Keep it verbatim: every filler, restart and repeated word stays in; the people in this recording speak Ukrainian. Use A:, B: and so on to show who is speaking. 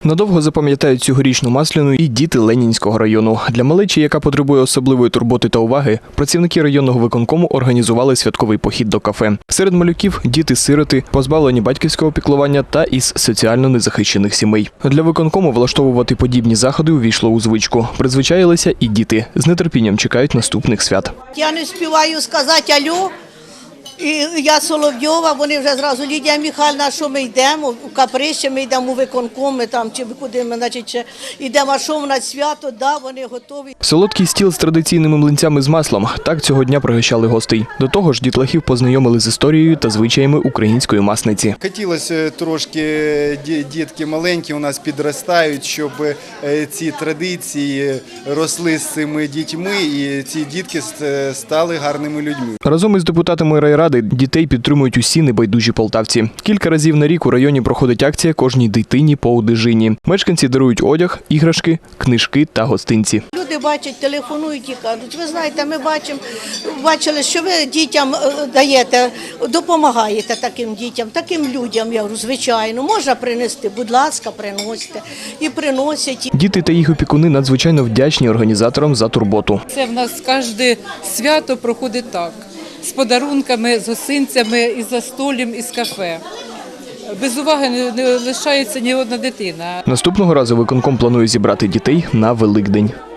A: Надовго запам'ятають цьогорічну Масляну і діти Ленінського району. Для малечі, яка потребує особливої турботи та уваги, працівники районного виконкому організували святковий похід до кафе. Серед малюків – діти-сироти, позбавлені батьківського піклування та із соціально незахищених сімей. Для виконкому влаштовувати подібні заходи увійшло у звичку. Призвичаїлися і діти. З нетерпінням чекають наступних свят.
B: Я не співаю сказати «Алло». І я Соловйова, вони вже зразу, Лідія Михайлівна, що ми йдемо, у каприще ми йдемо у виконком, ми там, чи куди ми, значить, йдемо, а що в нас свято, да, вони готові.
A: Солодкий стіл з традиційними млинцями з маслом – так цього дня пригощали гостей. До того ж, дітлахів познайомили з історією та звичаями української масниці.
C: Хотілося трошки, дітки маленькі у нас підростають, щоб ці традиції росли з цими дітьми і ці дітки стали гарними людьми.
A: Разом із депутатами райради дітей підтримують усі небайдужі полтавці. Кілька разів на рік у районі проходить акція «Кожній дитині по одежині». Мешканці дарують одяг, іграшки, книжки та гостинці.
B: Люди бачать, телефонують і кажуть, ви знаєте, ми бачимо, бачили, що ви дітям даєте, допомагаєте таким дітям, таким людям, я говорю, звичайно, можна принести, будь ласка, приносите. І приносять.
A: Діти та їх опікуни надзвичайно вдячні організаторам за турботу.
D: Це в нас кожне свято проходить так. З подарунками, з гостинцями, із застоллям, із кафе. Без уваги не лишається ні одна дитина.
A: Наступного разу виконком планує зібрати дітей на Великдень.